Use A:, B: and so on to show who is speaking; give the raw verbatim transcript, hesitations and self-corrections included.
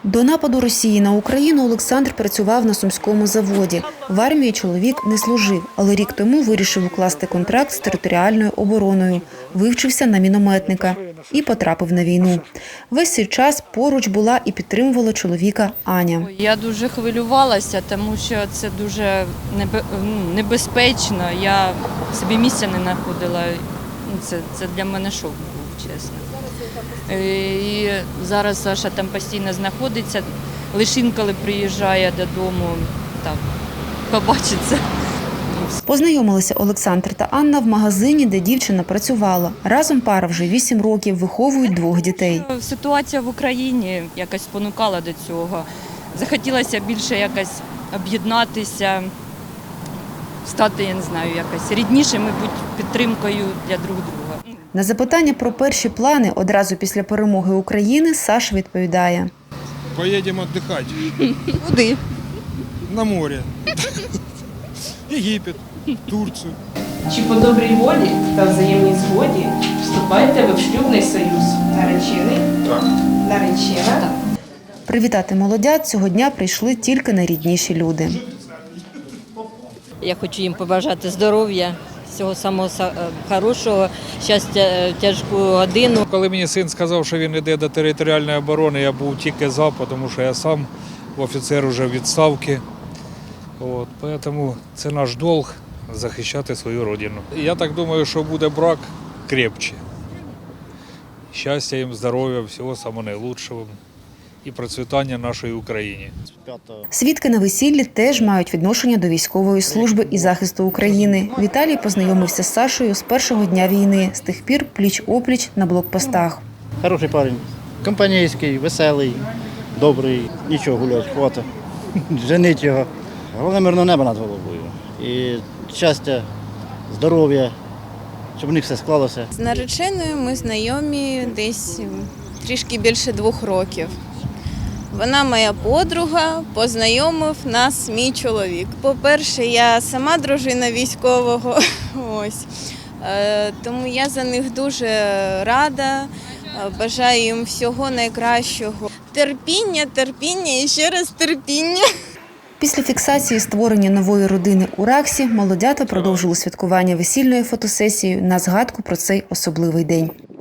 A: До нападу Росії на Україну Олександр працював на Сумському заводі. В армії чоловік не служив, але рік тому вирішив укласти контракт з територіальною обороною, вивчився на мінометника і потрапив на війну. Весь цей час поруч була і підтримувала чоловіка Аня.
B: Я дуже хвилювалася, тому що це дуже небезпечно. Я собі місця не знаходила. Це, це для мене шок був, чесно. І зараз Саша там постійно знаходиться, лише інколи приїжджає додому, так, побачиться.
A: Познайомилися Олександр та Анна в магазині, де дівчина працювала. Разом пара вже вісім років, виховують двох дітей.
B: Ситуація в Україні якось спонукала до цього. Захотілося більше якось об'єднатися, стати, я не знаю, якось ріднішими, бути підтримкою для друг друга.
A: На запитання про перші плани одразу після перемоги України Саша відповідає.
C: Поїдемо відпочивати.
B: Куди?
C: На море. Єгипет, Турцію.
D: Чи по добрій волі та взаємній згоді вступаєте ви в шлюбний союз? Наречений?
C: Так.
D: Наречена? Так.
A: Привітати молодят цього дня прийшли тільки найрідніші люди.
E: Я хочу їм побажати здоров'я, всього самого хорошого, щастя в тяжку годину.
F: Коли мені син сказав, що він йде до територіальної оборони, я був тільки за, тому що я сам офіцер уже відставки. От, тому це наш долг захищати свою родину. Я так думаю, що буде брак крепче. Щастя їм, здоров'я, всього самого найкращого і процвітання нашої України.
A: Свідки на весіллі теж мають відношення до військової служби і захисту України. Віталій познайомився з Сашою з першого дня війни, з тих пір пліч-опліч на блокпостах.
G: Хороший парень, компанійський, веселий, добрий, нічого гуляти, хватить, женить його. Головне мирне небо над головою і щастя, здоров'я, щоб у них все склалося.
H: З нареченою ми знайомі десь трішки більше двох років. Вона моя подруга, познайомив нас мій чоловік. По-перше, я сама дружина військового, ось. Тому я за них дуже рада, бажаю їм всього найкращого. Терпіння, терпіння і ще раз терпіння.
A: Після фіксації створення нової родини у Раксі молодята продовжили святкування весільною фотосесією на згадку про цей особливий день.